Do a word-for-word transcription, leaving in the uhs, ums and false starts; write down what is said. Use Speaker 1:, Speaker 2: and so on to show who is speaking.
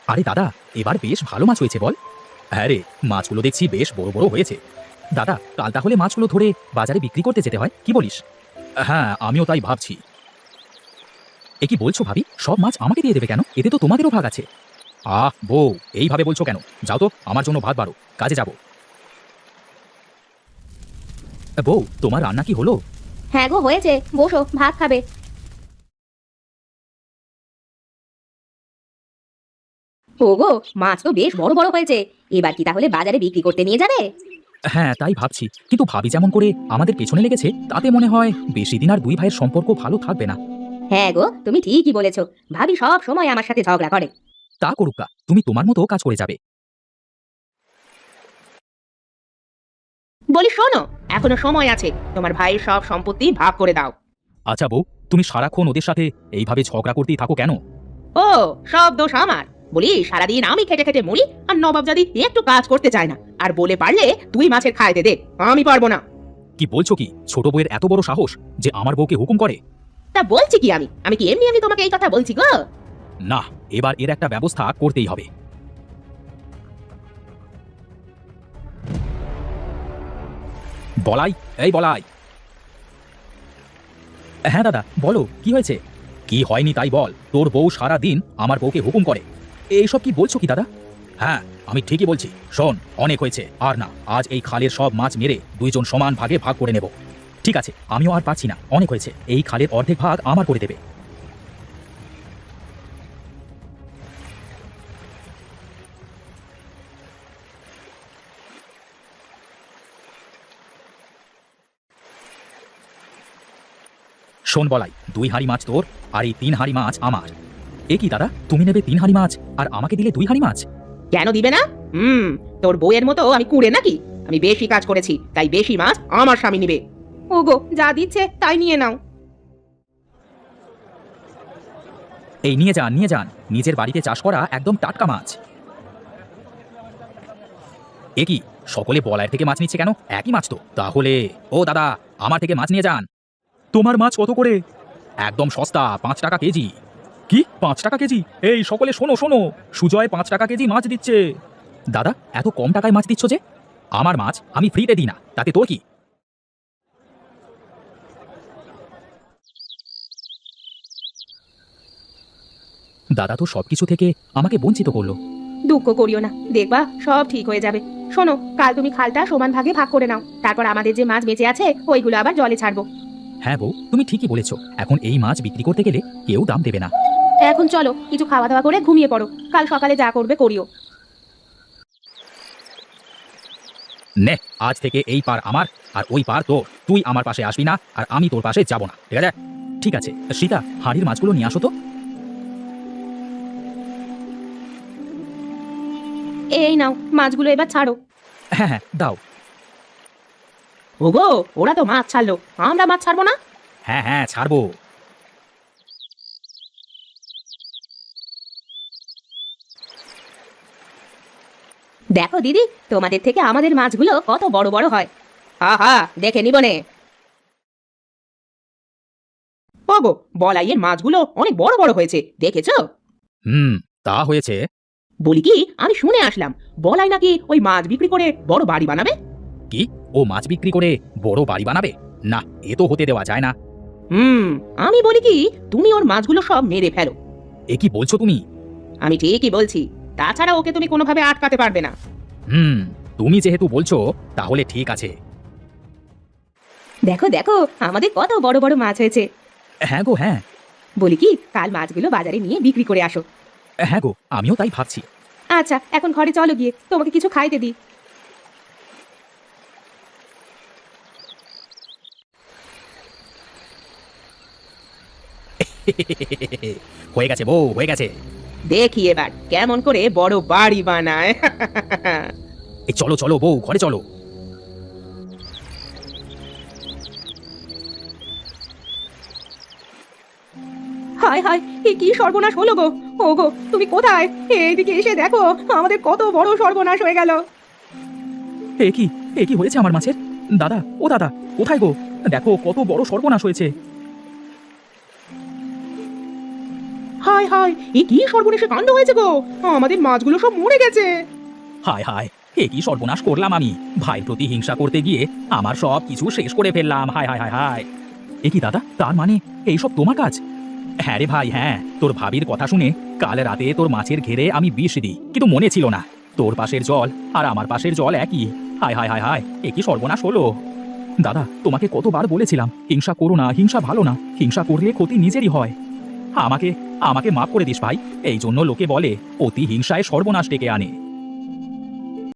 Speaker 1: আরে দাদা, এবার বেশ ভালো মাছ হয়েছে বল। হ্যাঁ রে, মাছগুলো দেখছি বেশ বড় বড় হয়েছে। দাদা, কাল তাহলে মাছগুলো ধরে বাজারে বিক্রি করতে যেতে হয়, কি বলিস? হ্যাঁ, আমিও তাই ভাবছি। এ কি বলছো ভাবি? সব মাছ আমাকে দিয়ে দেবে কেন? এতে তো তোমাদেরও ভাগ আছে। আহ বউ, এইভাবে বলছো কেন? যাও তো, আমার জন্য ভাত বাড়ো, কাজে যাব। বউ, তোমার রান্না কি হলো?
Speaker 2: হ্যাঁ গো, হয়েছে, বসো, ভাত খাবে। ওগো, মাছ তো বেশ বড় বড় হয়েছে। এবার কি তাহলে বাজারে বিক্রি করতে নিয়ে যাবে?
Speaker 1: হ্যাঁ, তাই ভাবছি, কিন্তু ভাবি যেমন করে আমাদের পেছনে লেগেছে তাতে মনে হয় বেশি দিন আর দুই ভাইয়ের সম্পর্ক ভালো থাকবে না।
Speaker 2: হ্যাঁ গো, তুমি ঠিকই বলেছো। ভাবি সব সময় আমার সাথে ঝগড়া করে।
Speaker 1: তা করুকা, তুমি তোমার মতো কাজ করে যাবে।
Speaker 3: বলি শোনো, এখনো সময় আছে, তোমার ভাইয়ের সব সম্পত্তি ভাগ করে দাও।
Speaker 1: আচ্ছা বউ, তুমি সারাক্ষণ ওদের সাথে এইভাবে ঝগড়া করতেই থাকো কেন?
Speaker 3: ও, সব দোষ আমার। বলি সারাদিন আমি খেটে খেটে মরি, আর নবাবজাদি একটু কাজ করতে চায় না। আর বলে পারলে তুই মাছের খাইতে দে, আমি পারবো না।
Speaker 1: কি বলছো কি? ছোট বউয়ের এত বড় সাহস যে আমার বউকে হুকুম করে?
Speaker 3: তা বলছি কি আমি আমি কি এমনি এমনি তোমাকে এই কথা বলছি গো?
Speaker 1: না, এবার এর একটা ব্যবস্থা করতেই হবে। বলাই, এই বলাই। হ্যাঁ দাদা, বলো, কি হয়েছে? কি হয়নি তাই বল। তোর বউ সারা দিন আমার বউকে হুকুম করে। এইসব কি বলছো কি দাদা? হ্যাঁ, আমি ঠিকই বলছি। শোন, অনেক হয়েছে, আর না। আজ এই খালের সব মাছ মেরে দুইজন সমান ভাগে ভাগ করে নেব। ঠিক আছে, আমিও আর পাচ্ছি না, অনেক হয়েছে। এই খালের অর্ধেক ভাগ আমার করে দেবে। শোন বলাই, দুই হাঁড়ি মাছ তোর, আর এই তিন হাঁড়ি মাছ আমার। এ কি দাদা, তুমি নেবে তিন হাঁড়ি মাছ আর আমাকে দিলে দুই হাঁড়ি মাছ?
Speaker 3: কেন দিবে না? হুম, তোর বউয়ের মতো আমি কুঁড়ে নাকি? আমি বেশি কাজ করেছি, তাই বেশি মাছ আমার স্বামী নিবে। ওগো, যা দিচ্ছে তাই নিয়ে নাও।
Speaker 1: এই নিয়ে যান, নিয়ে যান, নিজের বাড়িতে চাষ করা একদম টাটকা মাছ। এ কি, সকলে বলায়ের থেকে মাছ নিচ্ছে কেন? একই মাছ তো তাহলে। ও দাদা, আমার থেকে মাছ নিয়ে যান। তোমার মাছ কত করে? একদম সস্তা, পাঁচ টাকা কেজি। কি, পাঁচ টাকা কেজি? এই সকলে শোনো শোনো, সুজয় পাঁচ টাকা কেজি মাছ দিচ্ছে। দাদা, এত কম টাকায় মাছ দিচ্ছ যে? আমার মাছ আমি ফ্রিতে দিই না, তাতে তোর কি? দাদা তো সবকিছু থেকে আমাকে বঞ্চিত করলো।
Speaker 3: দুঃখ করিও না, দেখবা সব ঠিক হয়ে যাবে। শোনো, কাল তুমি খালটা সমান ভাগে ভাগ করে নাও, তারপর আমাদের যে মাছ বেঁচে আছে ওইগুলো আবার জলে ছাড়বো।
Speaker 1: হ্যাঁ বউ, তুমি ঠিকই বলেছ। এখন এই মাছ বিক্রি করতে গেলে কেউ দাম দেবে না।
Speaker 3: এখন চলো, কিছু খাওয়া দাওয়া করে ঘুমিয়ে পড়ো, কাল সকালে যা করবে করিও।
Speaker 1: নে, আজ থেকে এই পার আমার আর ওই পার তোর। তুই আমার পাশে আসবি না আর আমি তোর পাশে যাব না, ঠিক আছে? ঠিক আছে সীতা, হাঁড়ির মাছগুলো নিয়ে আসো তো।
Speaker 3: এই নাও, মাছগুলো এবার ছাড়ো।
Speaker 1: হ্যাঁ হ্যাঁ, দাও।
Speaker 3: ওগো, ওরা তো মাছ ছাড়লো, আমরা মাছ ছাড়বো না?
Speaker 1: হ্যাঁ হ্যাঁ, ছাড়বো।
Speaker 3: দেখো দিদি, তোমাদের থেকে আমাদের মাছগুলো কত বড় বড় হয়। হা হা, দেখে নিবনে। ওগো, বলাইয়ের মাছগুলো অনেক বড় বড় হয়েছে, দেখেছো?
Speaker 1: হুম, তা হয়েছে।
Speaker 3: বলি কি, আমি শুনে আসলাম বলাই নাকি ওই মাছ বিক্রি করে বড় বাড়ি বানাবে।
Speaker 1: কি, ও মাছ বিক্রি করে বড় বাড়ি বানাবে? না, এ তো হতে দেওয়া যায় না।
Speaker 3: হুম, আমি বলি কি, তুমি ওর মাছগুলো সব মেরে ফেলো।
Speaker 1: এ কি বলছো তুমি?
Speaker 3: আমি ঠিকই বলছি, তাছাড়া ওকে তুমি কোনোভাবে আটকাতে পারবে না।
Speaker 1: হুম, তুমি যেহেতু বলছো তাহলে ঠিক আছে।
Speaker 3: দেখো দেখো, আমাদের কত বড় বড় মাছ হয়েছে।
Speaker 1: হ্যাঁ গো, হ্যাঁ।
Speaker 3: বলি কি, কাল মাছগুলো বাজারে নিয়ে বিক্রি করে আসো।
Speaker 1: হ্যাঁ গো, আমিও তাই ভাবছি।
Speaker 3: আচ্ছা, এখন ঘরে চলো, গিয়ে তোমাকে কিছু খাইতে দিই।
Speaker 1: হয়ে গেছে বউ, হয়ে গেছে।
Speaker 3: দেখি এবার কেমন করে বড় বাড়ি বানায়।
Speaker 1: এই চলো চলো বউ, ঘরে চলো।
Speaker 3: হায় হায়, এ কি সর্বনাশ হলো গো! ও গো, তুমি কোথায়? এইদিকে এসে দেখো, আমাদের কত বড় সর্বনাশ হয়ে গেল।
Speaker 1: এ কি, এ কি হয়েছে আমার মাছের? দাদা, ও দাদা, কোথায় গো? দেখো কত বড় সর্বনাশ হয়েছে।
Speaker 3: হায় হায়, এ কি সর্বনেশে কাণ্ড হয়েছে গো, আমাদের মাছগুলো সব মরে গেছে।
Speaker 1: হায় হায়, এ কি সর্বনাশ করলাম আমি! ভাইয়ের প্রতি হিংসা করতে গিয়ে আমার সব কিছু শেষ করে ফেললাম। হায় হায় হায় হায়! এ কি দাদা, তার মানে এইসব তোমার কাজ? হ্যাঁ রে ভাই, হ্যাঁ। তোর ভাবির কথা শুনে কাল রাতে তোর মাছের ঘেরে আমি বিষ দিই, কিন্তু মনে ছিল না তোর পাশের জল আর আমার পাশের জল একই। হায় হায় হায় হায়, এ কি সর্বনাশ হলো! দাদা, তোমাকে কতবার বলেছিলাম হিংসা করো না, হিংসা ভালো না, হিংসা করলে ক্ষতি নিজেরই হয়। আমাকে আমাকে মাফ করে দিস ভাই। এই জন্য লোকে বলে অতি হিংসায় সর্বনাশ ডেকে আনে।